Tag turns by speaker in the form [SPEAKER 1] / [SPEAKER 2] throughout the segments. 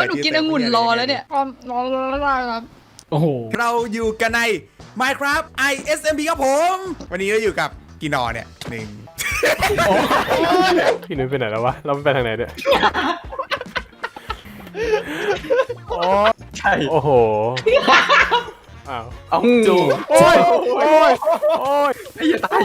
[SPEAKER 1] หนูกินองุ่นรอแล้วเนี่ยรอครับ
[SPEAKER 2] โอ้โห
[SPEAKER 3] เราอยู่กันใน Minecraft ISMP ครับผม วันนี้เราอยู่กับกีนอเนี่ยหนึ่ง
[SPEAKER 2] พี่นุ้ยไปไหนแล้ววะเราไปทางไหนเนี่ย
[SPEAKER 4] ใช่
[SPEAKER 2] โอ้โหอ้าว
[SPEAKER 4] เอา
[SPEAKER 2] จู
[SPEAKER 4] โอ้ย
[SPEAKER 2] โอ้ยโอ้ย
[SPEAKER 4] ไอ้ยาตาย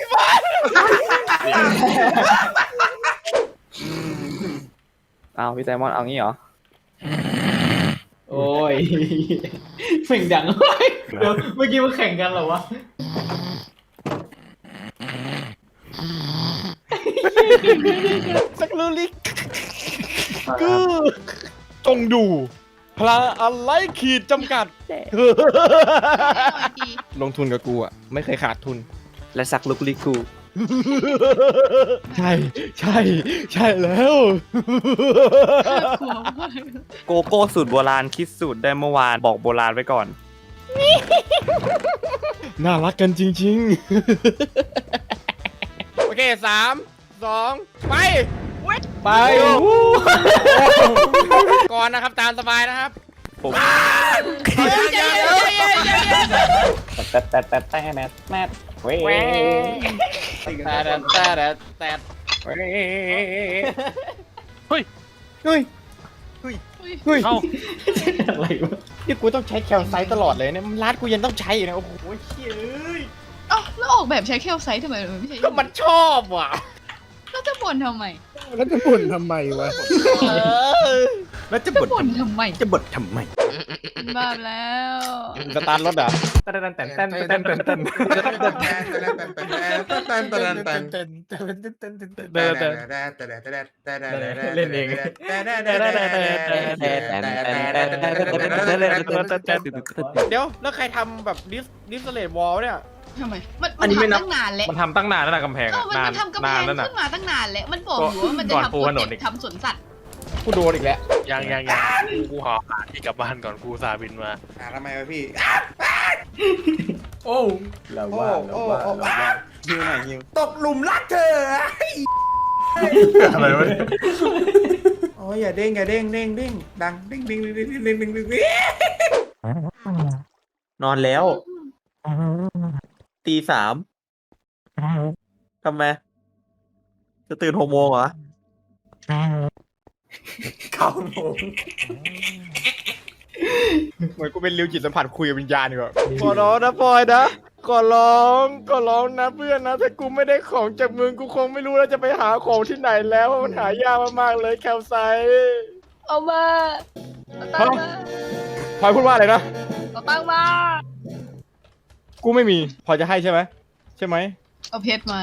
[SPEAKER 4] เอาพี่ไซมอนเอางี้เหรอ
[SPEAKER 5] โอ้ยเสียงดังเฮ้ยเดี๋ยวเมื่อกี้มันแข่งกันเหรอวะ
[SPEAKER 2] สักลูลิกกูจงดูพลังอะไรขีดจำกัด ลงทุนกับกูอ่ะไม่เคยขาดทุน
[SPEAKER 4] และสักลุกลิกู
[SPEAKER 2] ใช่ใช่ใช่แล้ว
[SPEAKER 4] โกโก้สูตรโบราณคิดสูตรได้เมื่อวานบอกโบราณไว้ก่อน
[SPEAKER 2] น่ารักกันจริงๆ โอเค3 2ไปไปก่อนนะครับตามสบายนะครับ
[SPEAKER 4] ผม แต่แมทเว้ย
[SPEAKER 2] แต่เฮ้ยเฮ้ยเฮ้ย
[SPEAKER 5] เอ้าอะไรวะ
[SPEAKER 2] นี่กูต้องใช้แคลไซต์ตลอดเลยเนี่ยร้านกูยังต้องใช้อยู่นะโอ้โหเชี่ยเอ้ย
[SPEAKER 1] เอ้าแล้วออกแบบใช้แคลไซต์ทำไมไม่ใช่
[SPEAKER 2] ก็มันชอบว่ะ
[SPEAKER 1] แล้วจะบ่นทำไม
[SPEAKER 6] แล้วจะบ่นทำไมวะ
[SPEAKER 2] แล้วจะ
[SPEAKER 1] จะ
[SPEAKER 2] บ่น
[SPEAKER 1] บ่นทำไม
[SPEAKER 2] จะบ่นทำไม
[SPEAKER 1] บ้าแล้ว
[SPEAKER 2] สตาร์ทรถอ่ะ เล่นเอง เดี๋ยวแล้วใครทำแบบดิสเลตวอลเนี่ย
[SPEAKER 1] ทำไมมันทำตั้งนานแล้ว
[SPEAKER 2] มันทำตั้งนานแล้วนะกำแพง
[SPEAKER 1] เออมัน
[SPEAKER 2] นาน
[SPEAKER 1] ทำกำแพ
[SPEAKER 2] นาน
[SPEAKER 1] ง
[SPEAKER 2] แล้วนะ
[SPEAKER 1] ขึ้นมาตั้งนานแล้วมันบอกอยู่ว่ามันจะ
[SPEAKER 2] ก่อน
[SPEAKER 1] ทำ
[SPEAKER 2] ปู
[SPEAKER 1] โปร
[SPEAKER 2] ถนน
[SPEAKER 1] เจ
[SPEAKER 2] อี
[SPEAKER 1] ก
[SPEAKER 2] ก
[SPEAKER 1] ต์ทำสวนสัตว์
[SPEAKER 2] กูโดนอีกแล้ว
[SPEAKER 7] ยังกูหอบที่กลับบ้านก่อนกูสาบินมา
[SPEAKER 3] ทำไมวะพี่
[SPEAKER 5] โอ้เราว่า
[SPEAKER 3] ฮิวหน่อยฮิวตกหลุมรักเธอ
[SPEAKER 2] อะไรวะเนี่ย
[SPEAKER 3] โอ้ยอย่าเด้งอย่าเด้งเด้งเด้งดังเด้งเด้งเด้งเด้งเด้งเด้งเด้ง
[SPEAKER 4] นอนแล้วตี3ทำไมจะตื่น6 โมงเหรอ
[SPEAKER 3] 9 โมง
[SPEAKER 2] เหมือนกูเป็นริวจิตสัมผัสคุยกับวิญญาณดีกว่าขอร้องนะพลอยนะขอร้องนะเพื่อนนะถ้ากูไม่ได้ของจากมึงกูคงไม่รู้แล้วจะไปหาของที่ไหนแล้วเพราะมันหายากมากๆเลยแคลไซต์
[SPEAKER 1] เอามาเอาตังค์มา
[SPEAKER 2] พลอยพูดว่าอะไรนะ
[SPEAKER 1] เอาตังค์มา
[SPEAKER 2] กูไม่มีพลอยจะให้ใช่ไหมใช่ไหม
[SPEAKER 1] เอาเพชรมา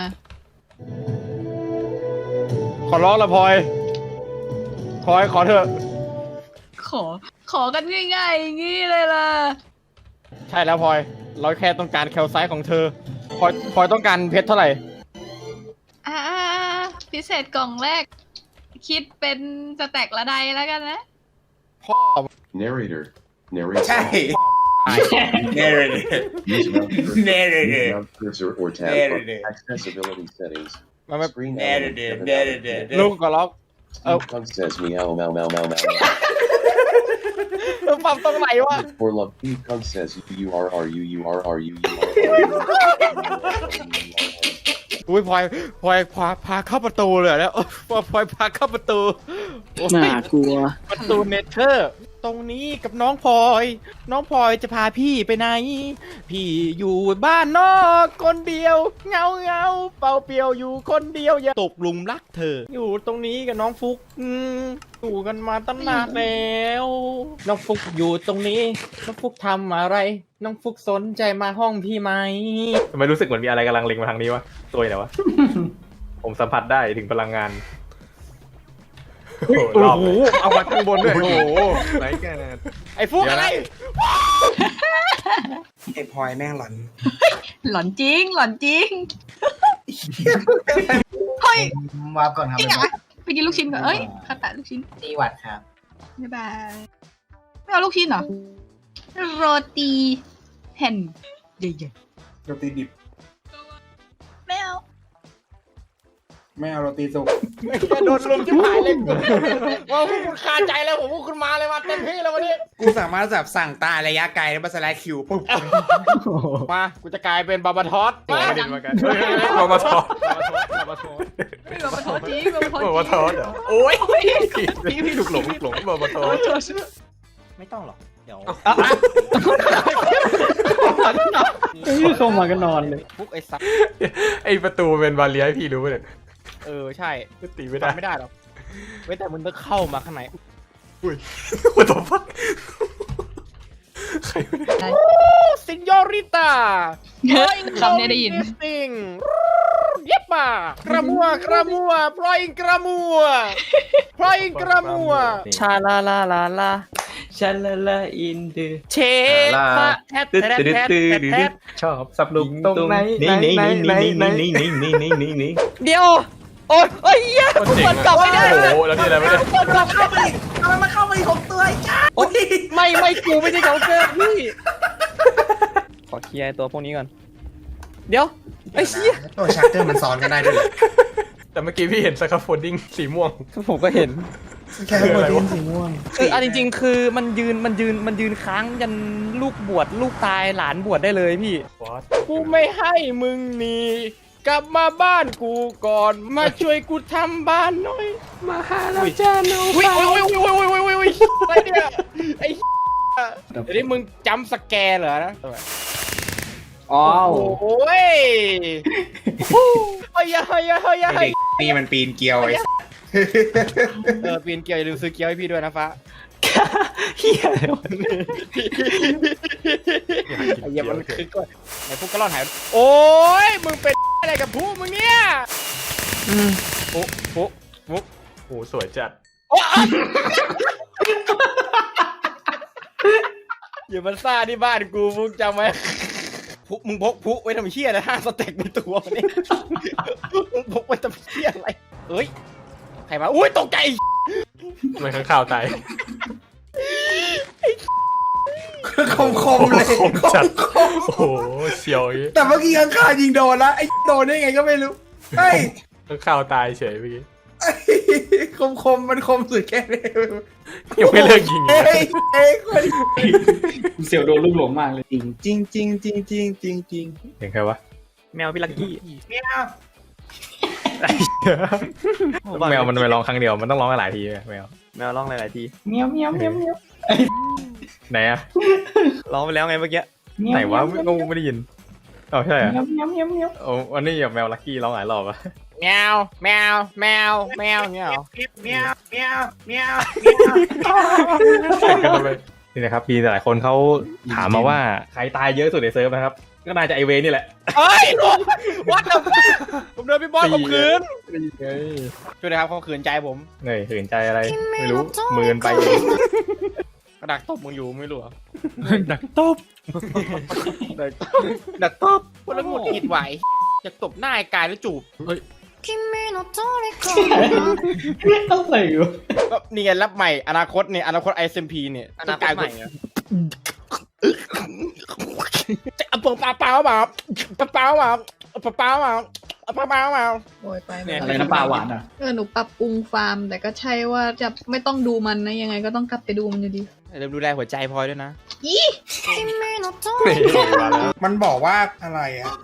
[SPEAKER 2] ขอร้องละพลอยขอเถอะ
[SPEAKER 1] ขอกันง่ายๆอย่างงี้เลยล่ะ
[SPEAKER 2] ใช่แล้วพลอยเราแค่ต้องการแคลไซต์ของเธอพลอยต้องการเพชรเท่าไหร่
[SPEAKER 1] อ่าพิเศษกล่องแรก คิดเป็นสแต็กละใดแล้วกันนะ
[SPEAKER 2] พ่อ
[SPEAKER 8] Narrator. Narrator.
[SPEAKER 3] ใช่ narrative
[SPEAKER 8] Use mouse cursor,
[SPEAKER 3] Narrative.
[SPEAKER 8] use mouse cursor or tab
[SPEAKER 3] Narrative.
[SPEAKER 8] for accessibility settings.
[SPEAKER 2] มาไม่
[SPEAKER 8] Screen
[SPEAKER 3] narrative
[SPEAKER 8] element,
[SPEAKER 3] narrative
[SPEAKER 2] ลูกก็ล็อก
[SPEAKER 8] Steve Punk says meow meow meow meow meow.
[SPEAKER 2] ปรับตรงไหนวะ
[SPEAKER 8] For love, Steve Punk says you are you are you.
[SPEAKER 2] อุ้ยพลอยพาเข้าประตูเลยแล้วพลอยพาเข้าประตูโอ้ย
[SPEAKER 5] น่ากลัว
[SPEAKER 2] ประตูเนเธอร์ตรงนี้กับน้องพลอยจะพาพี่ไปไหน พี่อยู่บ้านนอกคนเดียวเงาเปล่าเปลี่ยวอยู่คนเดียวอย่าตกหลุมรักเธอ อยู่ตรงนี้กับน้องฟุกอยู่กันมาตั้งนานแล้วน้องฟุกอยู่ตรงนี้น้องฟุกทำอะไร น้องฟุกสนใจมาห้องพี่ไหมทำไมรู้สึกเหมือนมีอะไรกำลังเล็งมาทางนี้วะตัวไหนวะ ผมสัมผัสได้ถึงพลังงานโอ้โหเอามาข้างบนด้วยโอ้โหไหนกันไอ้ฟุกอะไร
[SPEAKER 3] ไอ้พลอยแม่งหลอน
[SPEAKER 1] หลอนจริงเฮ้ย
[SPEAKER 5] วาร์ปก่อนครับ
[SPEAKER 1] จริงเหรอไปกินลูกชิ้นก่อนเอ้ยข้าวตาลูกชิ้น
[SPEAKER 5] ตีวัดครับ
[SPEAKER 1] บ๊ายบายไม่เอาลูกชิ้นเหรอโรตีแผ่นใหญ่
[SPEAKER 3] โรตีดิบ
[SPEAKER 1] ๆไม่เอา
[SPEAKER 3] ไม่เอาโรตีสุก
[SPEAKER 2] ไม่แค่โดนลุมชิบหายเลยว่าพวกคุณคาใจแล้วผมพวกคุณมาเลยมาเต็มที่แล้ววันนี้
[SPEAKER 3] กูสามารถแบบสั่งตาระยะไกลแล้วมาสไลด์คิวปุ๊บ
[SPEAKER 2] มากูจะกลายเป็นบาบาทอสมา
[SPEAKER 7] ไม่ได้มากันมามาทอด
[SPEAKER 2] บาบาทอส
[SPEAKER 1] ไม่แบบมาโทษจีแบบมาโทษ
[SPEAKER 7] มา
[SPEAKER 1] จี
[SPEAKER 7] ทอดเหรอโอ้ยพี่หลุกหลงมาทอด
[SPEAKER 2] ไม่ต้องหรอกเดี๋ยว
[SPEAKER 5] เข้ามาก็นอนเลย
[SPEAKER 2] พวกไอ้สัตว์
[SPEAKER 7] ไอประตูเป็นบาเลียให้พี่รู้ป่ะเนี่ย
[SPEAKER 2] ใช่
[SPEAKER 7] ตีไม่ได้
[SPEAKER 2] ทำไม่ได้หรอกเว้ยแต่มึงต้องเข้ามาข้างใน
[SPEAKER 7] what the fuck ใครไม่ได้
[SPEAKER 2] ซินยอริต้า
[SPEAKER 1] คำนี้ได้ยิน
[SPEAKER 2] สิงเย็บมากระมัวพลอยกระมัวพลอยกระมัว
[SPEAKER 4] ชาลาลาลาลาชาลาลาอินเด
[SPEAKER 2] เชฟพะแทดแทดแทดแทด
[SPEAKER 7] ชอบสับลุก
[SPEAKER 4] ตรงไหนเดี๋ยวโอ้ยเหี้ย
[SPEAKER 7] มันเจ๋ง
[SPEAKER 4] มันกลับไม่ได้
[SPEAKER 7] โอ้โหแล้วนี่อะไรไม่ได้
[SPEAKER 3] มันเข้ามาอีก6ตัวจ้า
[SPEAKER 4] โอ๊ยไม่กูไม่ใช่เขาเกินพี่ขอเคลียร์ตัวพวกนี้ก่อนเดี๋ยวไอ้เชี่ย
[SPEAKER 3] ตัวชักเกอร์มันซ้อนกันได้ด้วย
[SPEAKER 7] แต่เมื่อกี้พี่เห็นสครับโฟลดิ้งสีม่วง
[SPEAKER 4] ผมก็เห็น
[SPEAKER 3] แค่โมเดลสี
[SPEAKER 4] คือเอาจริงๆ คือมันยืนค้างยันลูกบวชลูกตายหลานบวชได้เลยพี่
[SPEAKER 2] กูไม่ให้มึงหนีกลับมาบ้านกูก่อนมาช่วยกูทำบ้านหน่อยมาหาเราจ้าโน้อุ้ยอะไรเนี่ยไอ้เดี๋ยวนี้มึงจำสแกนเหรอนะ
[SPEAKER 5] อ้าว
[SPEAKER 2] โอ้ยเฮ้ย
[SPEAKER 3] นี่มันปีนเกลียวไอ้
[SPEAKER 2] ปีนเกียวอย่าลืมซื้อเกียวให้พี่ด้วยนะฟ้า
[SPEAKER 4] เฮียอะไรวะ
[SPEAKER 2] ไอ้เหี้ยมันคือก่อนไหนพวกกระรอนหายโอ้ยมึงเป็นอะไรกับผู้มึงเนี่ยโอ้
[SPEAKER 7] โอ้โหสวยจัด
[SPEAKER 2] อย่ามันซ่าที่บ้านกูมึงจำไหมผู้มึงพกผู้ไว้ทำเชี่ยอะไร5 สเต็กในตัวนี่มึงพกไว้ทำเชี่ยอะไรเอ้ยใครมาอุ้ยตกใจ
[SPEAKER 7] มันข้างข่าวตาย
[SPEAKER 3] คมเลย
[SPEAKER 7] คมจัดโอ้โหเสียวอย่างงี้
[SPEAKER 3] แต่เมื่อกี้ข้างๆยิงโดนแล้วไอ้โดนได้ไงก็ไม่รู้เฮ้ย
[SPEAKER 7] ข้างข่าวตายเฉยเมื่อกี้
[SPEAKER 3] มันคมสุดแค่นี้
[SPEAKER 7] ยังไม่เลิกยิงอีก
[SPEAKER 3] เฮ้ยคน
[SPEAKER 5] เสี่ยวโดนลูกหลงมากเลย
[SPEAKER 3] จริง
[SPEAKER 7] เห็นใครวะ
[SPEAKER 4] แมวพี่ลักกี้
[SPEAKER 3] เนี่ย
[SPEAKER 7] แมวมันไม่ร้องครั้งเดียวมันต้องร้องหลายทีแมว
[SPEAKER 4] แมวร้องหลายๆที
[SPEAKER 5] เมียวเมียวเมียวเมียว
[SPEAKER 7] ไหนอะ
[SPEAKER 4] ร้องไปแล้วไงเมื่อกี้
[SPEAKER 7] ไหนวะงูไม่ได้ยินอ๋อใช่อะ
[SPEAKER 5] เมียวเมียวเมียวเมียว
[SPEAKER 7] โอ้อันนี้แบบแมวลักกี้ร้องหลายรอบอะ
[SPEAKER 2] แมวอย่างเงี้ยเหรอ
[SPEAKER 3] เมียวเมียวเมียว
[SPEAKER 7] แข่งกันไปนี่นะครับมีหลายคนเขาถามมาว่าใครตายเยอะสุดในเซิร์ฟนะครับก็น่าจะไอเวนี่แหละ
[SPEAKER 2] เฮ้ยวัดแล้วผมเดินพี่บอสข่มขืน
[SPEAKER 7] เฮ้ย
[SPEAKER 2] ช่วยนะครับข่มขืนใจผม
[SPEAKER 7] เหนื่อยหืนใจอะไรไม่รู้มือนไปเอง
[SPEAKER 2] กระดักตบมึงอยู่ไม่รู้เหรอ
[SPEAKER 7] ดักตบ
[SPEAKER 2] ดักตบคนละหงุดหงิดไหวจะตบหน้าไอ้กายแล้วจูบ
[SPEAKER 5] อะไรอยู่
[SPEAKER 2] ก็นี่ไงรับใหม่อนาคตเนี่ยอนาคต SMP เนี่ย
[SPEAKER 4] อนาคตใหม่เหรอ
[SPEAKER 2] จะเอาเปล่ามาเปล่ามา
[SPEAKER 1] โอ้ยไป
[SPEAKER 2] เนี่ย
[SPEAKER 5] อะไรน้ำปลาหวานอ่ะ
[SPEAKER 1] หนูปรับปรุงฟาร์ม แต่ก็ใช่ว่าจะไม่ต้องดูมันนะยังไงก็ต้องกลับไปดูมันอยู่ดี
[SPEAKER 2] เริ่มดูแลหัวใจพลอยด้วยนะ
[SPEAKER 7] นี่มาแล้ว
[SPEAKER 3] มันบอกว่าอะไรอ่ะ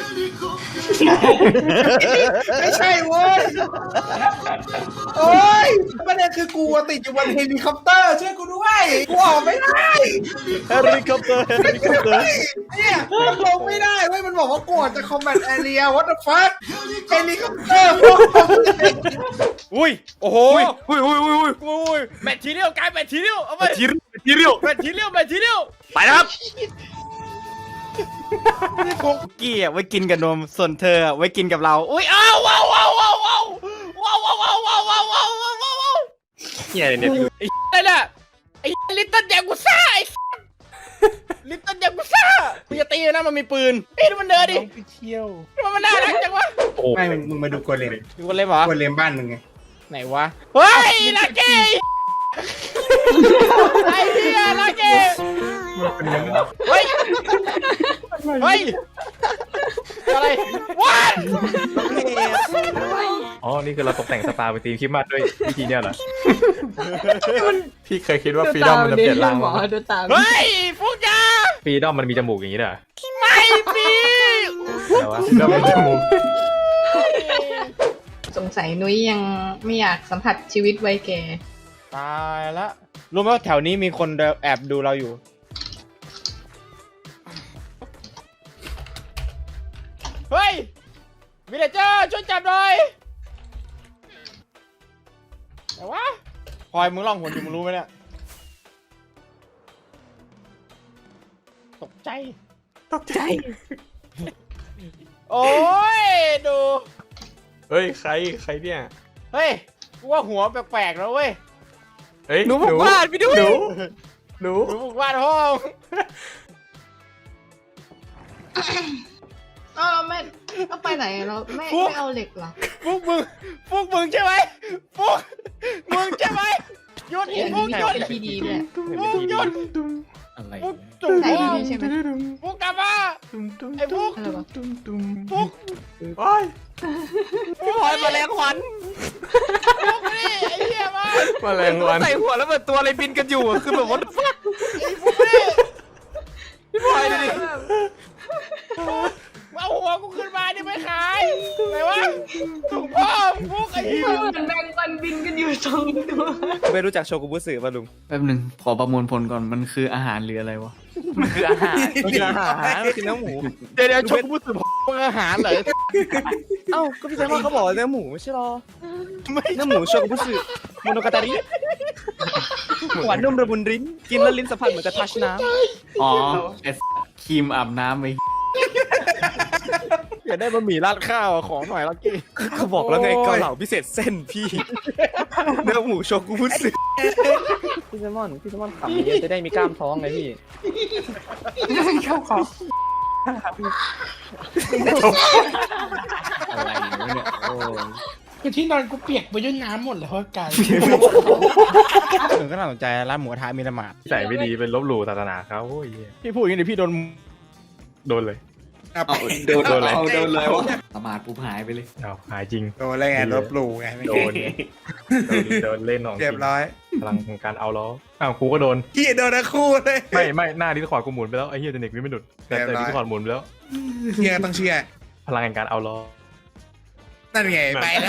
[SPEAKER 3] ไม่ใช่เว้ยโอ้ยประเด็นคือกูติดอยู่บนเฮลิคอปเตอร์ช่วยกูด้วยกูออกไม่ได้
[SPEAKER 2] เฮลิคอปเตอร์
[SPEAKER 3] เนี่ยลงไม่ได้เว้ยมันบอกว่ากูออกจากคอมแบทแอเรีย what the fuck เฮลิคอปเตอร์พวก
[SPEAKER 2] อุ้ยโอ้โหอุ้ยแมททีเรียลกายแมททีเรียลเอาไป
[SPEAKER 7] ทีเรียว
[SPEAKER 2] แมททีเรียล
[SPEAKER 7] ไปแล้วครับ
[SPEAKER 2] พวกกี้ไว้กินกับนมส่วนเธอไว้กินกับเราอุ้ยว้าว
[SPEAKER 7] เฮียเนี่ย
[SPEAKER 2] ไอ้น่ะไอ้ลิตเติ้ลแยกุซ่าไอ้ลิตเติ้ลแยกุซ่ามึงจะตีนะมันมีปืนเฮ้ยดูมันเดินดิไปเที่ยวมันน่ารักจังวะ
[SPEAKER 3] ไม่มึงมาดูโกเลม
[SPEAKER 2] ดูคนเล่นเหรอ
[SPEAKER 3] โกเลมบ้านมึงไง
[SPEAKER 2] ไหนวะเฮ้ยลักกี้ไอ้เหี้ยลักกี้เฮ้ยอะไรวะ
[SPEAKER 7] อ๋อนี่คือเราตกแต่งสปาเป็นธีมคริสต์มาสด้วยวิธีเนี้ยเหรอ
[SPEAKER 9] พี่เคยคิดว่าฟรีดอมมันจะเปลี่ยนร่าง
[SPEAKER 5] หมอ
[SPEAKER 9] มั้ย
[SPEAKER 5] ดูตาม
[SPEAKER 2] เฮ้ยพวกยา
[SPEAKER 7] ฟรีดอมมันมีจมูกอย่างนี้ด้วยเหรอ
[SPEAKER 2] ไม่มี
[SPEAKER 7] แต่ว่าฟรีดอมมีจมูก
[SPEAKER 5] สงสัยนุ้ยยังไม่อยากสัมผัสชีวิตวัยแก่
[SPEAKER 2] ตายละรู้ไหมว่าแถวนี้มีคนแอบดูเราอยู่ เฮ้ยวิลเลเจอร์ช่วยจับหน่อยแต่วะพลอยมึงล่องหนอยู่มึงรู้ไหมเนี่ย ตกใจ โอ้ย ดู
[SPEAKER 9] เฮ้ยใครเนี่ย
[SPEAKER 2] เฮ้ย กูว่าหัวแปลกๆแล้วเว้ย
[SPEAKER 9] เฮ้ย
[SPEAKER 4] หนูบุกบ้านพี่ด้วย
[SPEAKER 9] หนู
[SPEAKER 2] ดูบุกบ้านห้อง
[SPEAKER 5] เราไม่ต้องไปไหนเราไม่เอาเหล็กเหรอ
[SPEAKER 2] พวกมึงใช่ไหมพวกมึงใช่ไหมหยุด
[SPEAKER 5] เดี๋ยว
[SPEAKER 2] พวก
[SPEAKER 5] นี้
[SPEAKER 2] หยุด
[SPEAKER 5] เป็นที่ดีด้วย
[SPEAKER 2] พวกหยุด
[SPEAKER 5] อะไร
[SPEAKER 2] พวกจุ่ม
[SPEAKER 5] ใส่ดีๆใช่ไหม
[SPEAKER 2] พวกกลับมาไอ้พวก
[SPEAKER 5] อะไรวะ
[SPEAKER 2] พวก
[SPEAKER 9] โอ้ย
[SPEAKER 4] พี่พลอยแมลงวัน
[SPEAKER 2] พวกนี่ไอ้เหี้ยมา
[SPEAKER 9] แมลงวัน
[SPEAKER 4] ใส่หัวแล้วเหมือนตัวอะไรบินกันอยู่อะคือแบบว่า
[SPEAKER 2] ไอ้พวกนี่
[SPEAKER 4] พี่พลอยดูดิ
[SPEAKER 2] เอาหัวกูขึ้นมาดิไม่ขายไหนวะถุงพ่อพวกไอ้เหี้ย
[SPEAKER 5] เหมือนแมงวันบินกันอยู่สองตัว
[SPEAKER 4] ไม่รู้จักโชกุบุสึป่ะลุง
[SPEAKER 5] แป๊บหนึ่งขอประมวลผลก่อนมันคืออาหารหรืออะไรวะ
[SPEAKER 4] มันคืออาหารมันคืออาหารมันคือเนื้อหมู
[SPEAKER 2] เดี๋ยวชกกูสึมึงอาหารเหรอ
[SPEAKER 4] เอ้าก็พี่แซมว่าเขาบอกว่าเนื้อหมูไม่ใช่หรอเนื้อหมูโชกุบุสึโมโนกาตาริหวานนุ่มระมุนลิ้นกินแล้วลิ้นสัมผัสเหมือนกับทัชน้
[SPEAKER 5] อ๋อไอ้ครีมอาบน้ำไอ้
[SPEAKER 2] อยากได้บะหมี่ราดข้าวอะของหน่อยลักกี้
[SPEAKER 4] ำเขาบอกแล้วไงเกาเหลาพิเศษเส้นพี่เนื้อหมูโชกุบุสึพี่แซมอนขำเยอะจะได้มีกล้ามท้องไงพี่
[SPEAKER 5] เข้าคอ
[SPEAKER 4] อะไรเนี่ยโอ้ย
[SPEAKER 6] คือที่นอนกูเปียกไปด้วยน้ำหมดเลยเพราะกาย
[SPEAKER 2] ถึงก็น่าสนใจร้านหมูกระทะมีละหมาด
[SPEAKER 7] ใส่ไม่ดีเป็นลบหลู่ศาสนาเขาโอ้ยเหี้ย
[SPEAKER 2] พี่พูดอย่างนี้เดี๋ยวพี่โดน
[SPEAKER 7] โดนเลย
[SPEAKER 3] โดน
[SPEAKER 7] โดนอะไร
[SPEAKER 3] โดนเลยวะ
[SPEAKER 5] ประมาทปุ๊บหายไปเลย
[SPEAKER 7] เอาหายจริง
[SPEAKER 3] โดนอะไรไงลบหลู่ไง
[SPEAKER 7] โดนโดนเล่นของจ
[SPEAKER 3] เรียบ
[SPEAKER 7] ริง
[SPEAKER 3] ร้อย
[SPEAKER 7] พลังของการเอาล้ออ้าวกูก็โดน
[SPEAKER 3] พี่โดนทั้งคู่เลย
[SPEAKER 7] ไม่หน้าดิสคอร์ดกูหมุนไปแล้วไอ้เหี้ยเด็กไม่หลุดแต่
[SPEAKER 3] เรียบร้อย
[SPEAKER 7] ดิสคอร์ดหมุนไปแล้ว
[SPEAKER 3] เชื่อต้องเชื่อ
[SPEAKER 7] พลังแห่งการเอาล้อ
[SPEAKER 3] นั่นไงไปแล้ว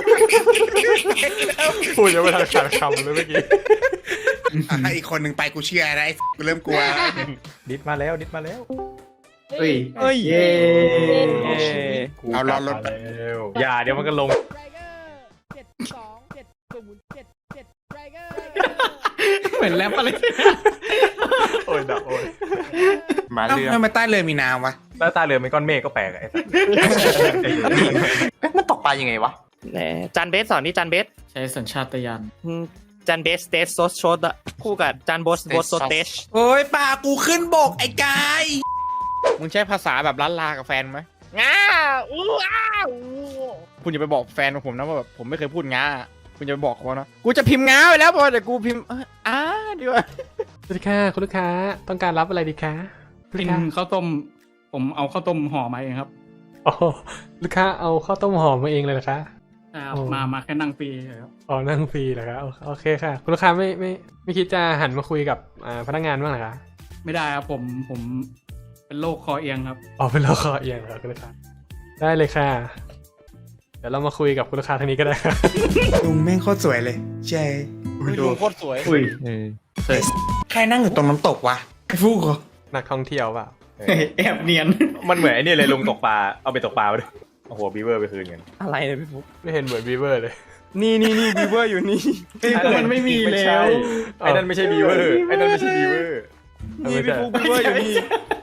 [SPEAKER 7] พูดยังไม่ทันขาดคำเลยเมื่อกี้
[SPEAKER 3] ให้อีกคนหนึ่งไปกูเชื่อนะไอ้กูเริ่มกลัว
[SPEAKER 7] ดิสมาแล้ว
[SPEAKER 5] เฮ้ย
[SPEAKER 4] เฮ้ย
[SPEAKER 5] เย้
[SPEAKER 7] กูกลับมาแล้วอย่าเดี๋ยวมันก็ลง
[SPEAKER 5] เหมือนแรปอะไร
[SPEAKER 7] โอ้ยดับโอ้ย
[SPEAKER 3] มาเรือทำไมใต้เรือมีน้ำวะ
[SPEAKER 7] แล้วตาเรือเป็นก้อนเมฆก็แปลกอะไอ้สัส
[SPEAKER 4] มันตกปลายังไงวะแหมจานเบสสอนนี่จานเบส
[SPEAKER 5] ใช้สัญชาตญาณ
[SPEAKER 4] จานเบสเตสโซสโชดอะคู่กับจานโบสโซเตช
[SPEAKER 3] โอ้ยป่ากูขึ้นบกไอ้กาย
[SPEAKER 2] มึงใช้ภาษาแบบล้านลากับแฟนไหมง้าอู้อ้าวคุณอย่าไปบอกแฟนของผมนะว่าแบบผมไม่เคยพูดง้าคุณจะไปบอกเขานะกูจะพิมพ์ง้าไปแล้วพอแต่กูพิมพ์ดีกว่า
[SPEAKER 9] สวัสดีค่ะคุณลูกค้าต้องการรับอะไรดีคะลูก
[SPEAKER 10] เป็น
[SPEAKER 9] ค้า
[SPEAKER 10] ข้าวต้ม ผมเอาข้าวต้มห่อมาเองครับ
[SPEAKER 9] อ๋อลูกค้าเอาข้าวต้มหอมมาเองเลยเหรอคะ โอ้
[SPEAKER 10] มาแค่นั่งฟรีครับ
[SPEAKER 9] อ๋อนั่งฟรีเหรอคะโอเคค่ะคุณลูกค้าไม่คิดจะหันมาคุยกับพนักงานบ้างเหรอคะ
[SPEAKER 10] ไม่ได้ครับผมเป็นโรคคอเอียงครับ
[SPEAKER 9] อ๋อเป็นเราคอเอียงเหรอคุณลูกค้าได้เลยค่ะ เดี๋ยวเรามาคุยกับคุณลูกค้าทางนี้ก็ได้ค่ะ
[SPEAKER 3] ลุงแม่งโคตรสวยเลยใช่
[SPEAKER 2] ดูโคตรสวย
[SPEAKER 5] อุ้ย
[SPEAKER 3] ใครนั่งอยู่ตรงน้ำตกวะไอ้ฟูกเหรอ
[SPEAKER 9] นักท่องเที่ยวเปล่า
[SPEAKER 5] แอบเนียน
[SPEAKER 7] มันเหมือนไอ้นี่เลยลงตกปลาเอาไปตกปลาไปด้วยโอ้โหบีเวอร์ไปคืนกัน
[SPEAKER 4] อะไรเนี่ยพี่ฟุ๊ก
[SPEAKER 9] ไม่เห็นเหมือนบีเวอร์เลย
[SPEAKER 4] นี่บีเวอร์อยู่นี่
[SPEAKER 5] มันไม่มี
[SPEAKER 7] ไม่
[SPEAKER 5] แล้
[SPEAKER 7] ใช่
[SPEAKER 5] ว
[SPEAKER 7] ไอ้นั่นไม่ใช่บีเวอร์ไอ้นั่นไม่ใช่บีเวอร์
[SPEAKER 4] นี่พี่ฟุ๊กบีเวอร์อยู่นี่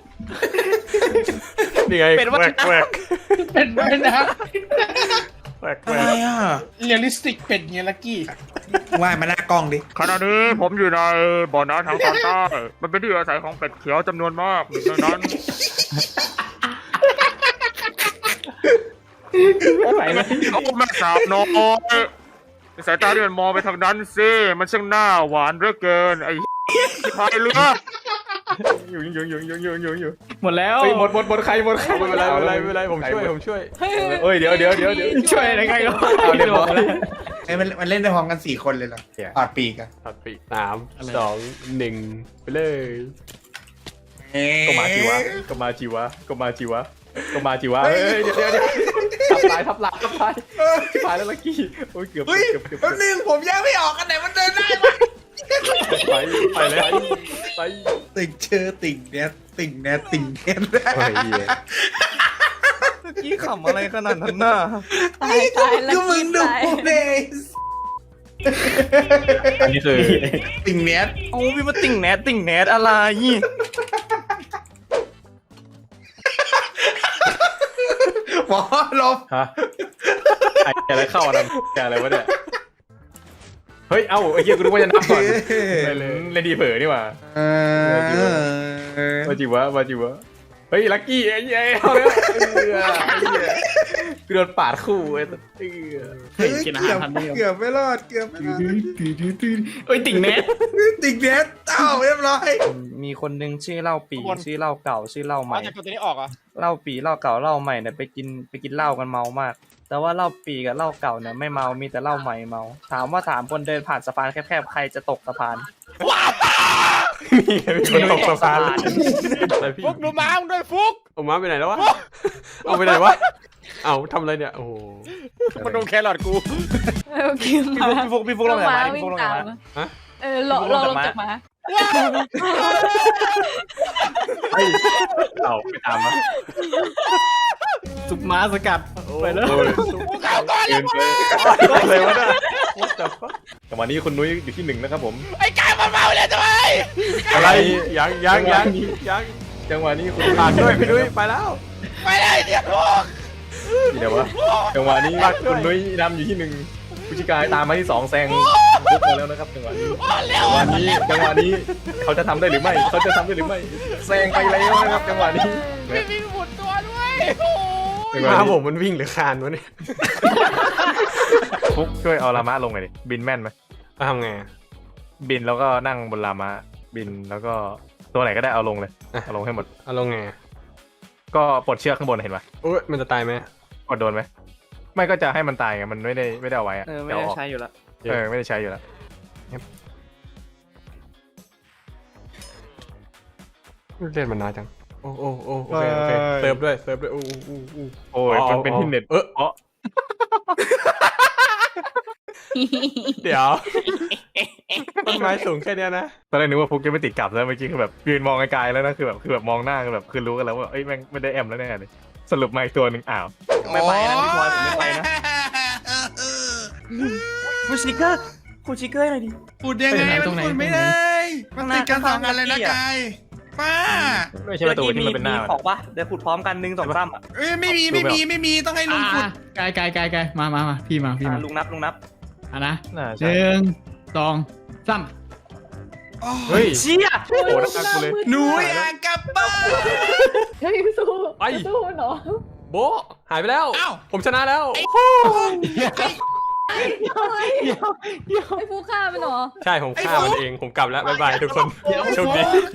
[SPEAKER 9] นี่ไง
[SPEAKER 4] เป็นวัฒนธรรม
[SPEAKER 9] แหวก
[SPEAKER 6] เป็นไปนะ
[SPEAKER 9] แหวก
[SPEAKER 3] อะไรอ่ะ
[SPEAKER 6] เรียลลิสติกเป็ดเงี้ยลักกี้
[SPEAKER 3] ว่ายมาหน้ากล้องดิ
[SPEAKER 11] ขณะนี้ผมอยู่ในบ่อน้ำทางตอนใต้ มันเป็นที่อาศัยของเป็ดเขียวจำนวนมากดังนั้น โอ้แม่สาวน้อยสายตาที่มันมองไปทางนั้นสิมันช่างหน้าหวานเหลือเกิน ไอ้ที่พายเรือ
[SPEAKER 7] อยู่
[SPEAKER 10] หมดแล้ว
[SPEAKER 7] เฮ้ยหมดใครไม่เป็นไรผมช่วยเอ้ยเดี๋ยว
[SPEAKER 10] ช่วยอะไรกันก็
[SPEAKER 7] เอาเรียบร้อย
[SPEAKER 3] มันเล่นได้พร้อมกัน4 คนเลยเหรอถอดปีกอะ
[SPEAKER 9] ตัดปีก3 2 1ไปเลย
[SPEAKER 7] ก็มาจีวะเฮ้ยเดี๋ยวทับลายตายแล้วลักกี้โอ้ยเกือบ
[SPEAKER 3] เฮ้ยแป๊บนึงผมแยกไม่ออกกันไหนมันเดินได้วะ
[SPEAKER 7] ไปแล้วไป
[SPEAKER 3] ติ่งเชอติ่งเน็ตติ่งเน็ต
[SPEAKER 7] โอ้ยเหี้ย
[SPEAKER 4] เมื่อกี้ขำอะไรขนาดนั้นน่ะ
[SPEAKER 1] ตายแล้ว
[SPEAKER 3] ก็มึงดู
[SPEAKER 1] ตาย
[SPEAKER 3] เนส
[SPEAKER 7] อันนี้คือ
[SPEAKER 3] ติ่งเน็ต
[SPEAKER 4] โอ้พี่มาติ่งแนทอะไร
[SPEAKER 3] หมอลบ
[SPEAKER 7] ฮะอะไรเข้าอะไรอะไรวะเนี่ยเฮ้ยเอ้าไอ้เหี้ยกูรู้ว่าจะนับก่อนเล่นดีเผลอนี่หว่ามาจิวะเฮ้ยลักกี้ไอ้เหี้ยเอาแล้วกูโดนปาดคู่ไอ้ตัว
[SPEAKER 10] กินอาหารทันเดียว
[SPEAKER 3] เกือบไม่รอด
[SPEAKER 10] เอ้ยติ่งเน็ต
[SPEAKER 3] ติ่งเน็ตเอ้าเรียบร้อย
[SPEAKER 4] มีคนนึงชื่อเหล้าปีชื่อเหล้าเก่าชื่อเหล้าใหม่
[SPEAKER 2] เอาจากตัวนี้ออกเหรอ
[SPEAKER 4] เหล้าปีเหล้าเก่าเหล้าใหม่เนี่ยไปกินเหล้ากันเมามาก แต่ว่าเหล้าปีกับเหล้าเก่าเนี่ยไม่เมามีแต่เหล้าใหม่เมาถามว่า3 คนเดินผ่านสะพานแคบๆใครจะตกสะพาน
[SPEAKER 7] มีคนตกสะพานอะไรพี่
[SPEAKER 2] ฟุกดูม้ามึงด้วยฟุก
[SPEAKER 9] เอาม้าไปไหนแล้ววะเอาไปไหนวะเอาทำอะไรเนี่ยโอ้โห
[SPEAKER 2] มันโดนแครอทกู
[SPEAKER 1] โอเคมา
[SPEAKER 4] พี่ฟุกลงไหนมา
[SPEAKER 1] วิ่
[SPEAKER 4] พี่
[SPEAKER 1] ง
[SPEAKER 4] ฟุกลงไหน
[SPEAKER 1] ตาม
[SPEAKER 4] มา
[SPEAKER 9] ฮะ
[SPEAKER 1] ลงจากม้า
[SPEAKER 7] เฮ้ยเอาไปตามมา
[SPEAKER 10] ซุปม้าสกัดไปแล้ว
[SPEAKER 7] เกินไปเลยวะเนี่ยแต่วันนี้คุณนุ้ยอยู่ที่1นะครับผม
[SPEAKER 2] ไอ้กายมันเมาเลยทำไม
[SPEAKER 7] อะไร
[SPEAKER 9] ยัง
[SPEAKER 7] จังหวะนี้คุณ
[SPEAKER 9] ผ่านด้วยพี่นุ้ยไปแล้ว
[SPEAKER 2] ไปเลยเนี่ยพวก
[SPEAKER 7] เดี๋ยววะจังหวะนี้คุณนุ้ยนำอยู่ที่1ผู้ชิกายตามมาที่2แซงฟุกมาแล้วนะครับจังหวะนี้จังหวะนี้เขาจะทำได้หรือไม่แซงไปแล้วนะครับจังหวะนี้
[SPEAKER 2] ไม่มีหมุนตัวด้วยโอ้ย
[SPEAKER 9] ม้าผมมันวิ่งหรือคานวะเนี่ย
[SPEAKER 7] ฟุกช่วยเอาลามะลงหน่อยดิบินแม่นไหม
[SPEAKER 9] ทำไง
[SPEAKER 7] บินแล้วก็นั่งบนลามะบินแล้วก็ตัวไหนก็ได้เอาลงเลยเอาลงให้หมด
[SPEAKER 9] เอาลงไง
[SPEAKER 7] ก็ปลดเชือกข้างบนเห็นปะ
[SPEAKER 9] โอ้ยมันจะตายไหม
[SPEAKER 7] กดโดนไหมไม่ก็จะให้มันตายไงมันไม่ได้เอาไว้อะ
[SPEAKER 4] ไม่ได้ใช้อยู่แล้ว
[SPEAKER 7] ไม่ได้ใช้อยู่แล้ว
[SPEAKER 9] เล่นมันนานจังโอ้โอเคเซิร์ฟด้วยโอ้
[SPEAKER 7] โอ้ยมันเป็นที่เน็ต
[SPEAKER 9] เดี๋ยวต้นไม้สูงแค่เนี้ยนะ
[SPEAKER 7] ตอนแรกนึกว่าฟุกจะไม่ติดกลับแล้วเมื่อกี้คือแบบยืนมองไกลๆแล้วนะคือแบบมองหน้าคือรู้กันแล้วว่าเอ้ยแม่งไม่ได้แอมแล้วแน่เลยสรุปมาอีกตัวหนึ่งอ้าว
[SPEAKER 4] ไม่ไปนะพี่พลอยผมไม่ไปนะคุณชิเกอร์หน่อยดิ
[SPEAKER 3] พูดยังไงมันพูดไม่ได้มันติดกัน2 อันเลยนะกายป้า
[SPEAKER 7] ไม่ใช่ประตูที่มันเป็นหน้า
[SPEAKER 4] มีของปะเดี๋ยวขุดพร้อมกัน1 2 3อ่ะ
[SPEAKER 3] เอ้ยไม่มีต้องให้ลุงขุด
[SPEAKER 10] กายมาพี่มา
[SPEAKER 4] ลุงนับ
[SPEAKER 10] อ่ะนะ
[SPEAKER 7] น่าใช่
[SPEAKER 10] 1 2 3
[SPEAKER 7] เฮ้ย
[SPEAKER 4] เชี่ย
[SPEAKER 7] โอ้น่ากูเลย
[SPEAKER 3] หนูอยากกลับบ้าน
[SPEAKER 1] เฮ้ยสู้
[SPEAKER 9] ไป
[SPEAKER 1] สู้เนาะ
[SPEAKER 9] โบะหายไปแล้ว ผมชนะแล้ว
[SPEAKER 1] ไอ้ฟูฆ่ามันเหรอ
[SPEAKER 9] ใช่ผมฆ่ามันเองผมกลับแล้วบ๊ายบายทุกคนโชคดี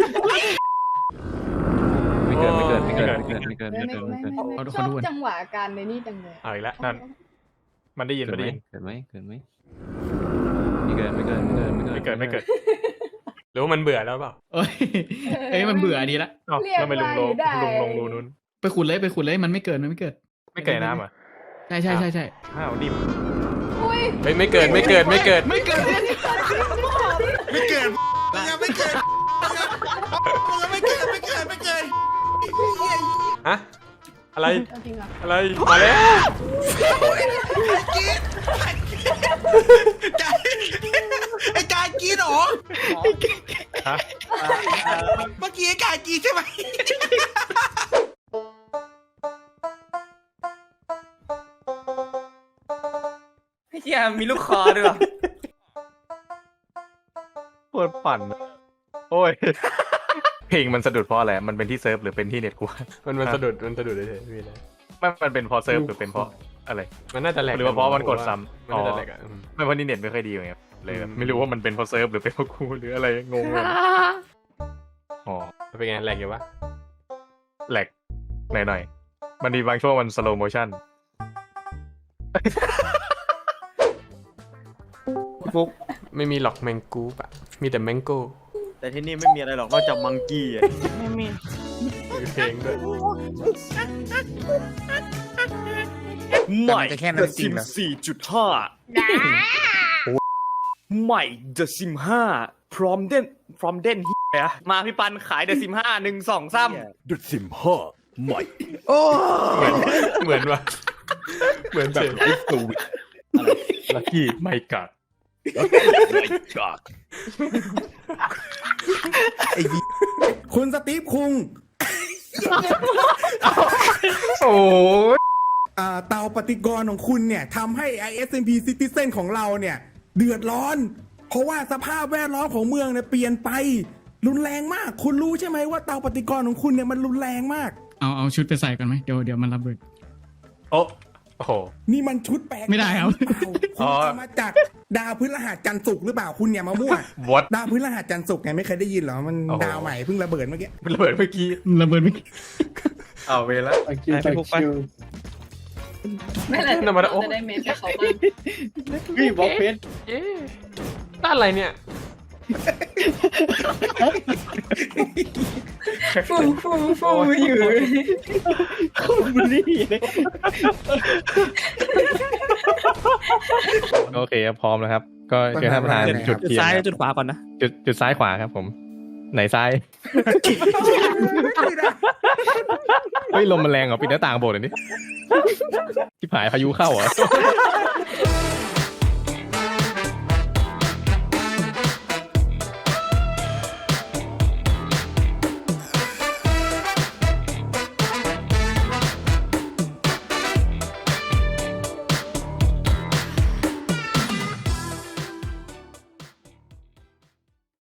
[SPEAKER 7] ไม่เกิน
[SPEAKER 1] ไม่
[SPEAKER 10] ขอดูก่อน
[SPEAKER 1] จังหวะการในนี่จังเลย
[SPEAKER 7] เอาอีกแล้วนั่นมันได้ยิน
[SPEAKER 5] เกิดไหม ไม่เกิดไม่เกิด
[SPEAKER 9] หรือว่ามันเบื่อแล้วเปล่า
[SPEAKER 10] เอ้ยมันเบื่ออันนี้ละ
[SPEAKER 7] เอ้าแล้วไปลุงลงรูนู้น
[SPEAKER 10] ไปขุดเลยมันไม่เกิด
[SPEAKER 7] ไม่เกิดน้ำอ่ะ
[SPEAKER 10] ใช่
[SPEAKER 7] อ้าวนิ่ม
[SPEAKER 1] อุ้ย
[SPEAKER 9] ไม่เกิด
[SPEAKER 3] ไม่เกิดมึงยังไม่เกิด
[SPEAKER 9] ฮะอะไร
[SPEAKER 1] เอาจริงเหรอ
[SPEAKER 9] อะไรมาแล้ว
[SPEAKER 3] ไอ้กายกินหรอ
[SPEAKER 7] ฮะ
[SPEAKER 3] เมื่อกี้ไอ้กายกินใช่ไหม
[SPEAKER 4] เชี่ยมีลูกคอด้วย
[SPEAKER 7] ปวดปั่นโอ้ยเพลงมันสะดุดเพราะอะไรมันเป็นที่เซิร์ฟหรือเป็นที่เน็ตกู
[SPEAKER 9] มันสะดุดเฉยๆมีอะไร
[SPEAKER 7] มันเป็นเพราะเซิร์ฟหรือเป็นเพราะอะไร
[SPEAKER 9] มันน่าจะแหลก
[SPEAKER 7] หรือว่าเพราะมันกดซ้ำ
[SPEAKER 9] มันน่าจะแหลกอ่ะ
[SPEAKER 7] ไม่เพราะนี่เน็ตไม่ค่อยดีไงเลยไม่รู้ว่ามันเป็นเพราะเซิร์ฟหรือเป็นเพราะกูหรืออะไรงงเลยอ๋อ
[SPEAKER 9] เป็นไงแหลกอยู่ปะ
[SPEAKER 7] แหลกหน่อยๆมันมีบางช่วงมันสโลโมชั่น
[SPEAKER 9] ฟุกไม่มีหรอกแมงกูปะมีแต่แมงโก้
[SPEAKER 4] แต่ที่นี่ไม่มีอะไรหรอกนอกจากมังกี้อ่ะ
[SPEAKER 2] ไม่มี
[SPEAKER 9] มีเพลงด้วย
[SPEAKER 4] ใหม่
[SPEAKER 2] จะแค่นั้นจริงเหรอ
[SPEAKER 4] 4.5 ใหม่ The Sim 5 พร้อมเด่นเฮียมาพี่ปันขาย The Sim 5 1 2 3
[SPEAKER 7] ดุดสิมพ่อใหม่
[SPEAKER 9] เหมือนวะเหมือนแบบ
[SPEAKER 7] ลักกี้ไม่กัด
[SPEAKER 3] คุณสตีฟคุง
[SPEAKER 7] โอ้ย
[SPEAKER 3] เตาปฏิกรณ์ของคุณเนี่ยทำให้ ISMP Citizen ของเราเนี่ยเดือดร้อน เพราะว่าสภาพแวดล้อมของเมืองเนี่ยเปลี่ยนไป รุนแรงมาก คุณรู้ใช่ไหมว่าเตาปฏิกรณ์ของคุณเนี่ยมันรุนแรงมาก
[SPEAKER 10] เอาชุดไปใส่กันไหมเดี๋ยวมันระเบิด
[SPEAKER 7] โอ้โห
[SPEAKER 3] นี่มันชุดแปลก
[SPEAKER 10] ไม่ได้ครับ
[SPEAKER 3] คุณเอามาจากดาวพฤหัสจันทร์ศุกร์หรือเปล่าคุณเนี่ยมามั่ว
[SPEAKER 7] What
[SPEAKER 3] ดาวพฤหัสจันทร์ศุกร์ไงไม่เคยได้ยินเหรอมัน
[SPEAKER 7] โอ้โห
[SPEAKER 3] ดาวใหม่เพิ่งระเบิดเมื่อกี้
[SPEAKER 7] มันระเบิดเมื่อกี้
[SPEAKER 10] ระเบิดไม่
[SPEAKER 7] เอาเวลา
[SPEAKER 6] ตะคิวตะคิว
[SPEAKER 1] ไม่เป็นไร
[SPEAKER 9] ธรรมดาโอ้
[SPEAKER 1] จะได้เมทกับเขาบ้าง
[SPEAKER 6] พี่บล็อกเพชร
[SPEAKER 9] เอ๊ะด้านอะไรเนี่ย
[SPEAKER 1] ฟูอยู่
[SPEAKER 7] โอเคครับพร้อมแล้วครับ ก็เชิญท่านประธาน
[SPEAKER 3] จุ
[SPEAKER 7] จุ
[SPEAKER 3] ด
[SPEAKER 7] ดเทียน
[SPEAKER 4] ซ้าย
[SPEAKER 7] ครับ
[SPEAKER 4] จุดขวาก่อนนะ
[SPEAKER 7] จุดซ้ายขวาครับผม ไหนซ้าย เฮ้ยลมมันแรงเหรอปิดหน้าต่างโบสถ์หน่อยดิที่ผายพายุเข้าเหรอ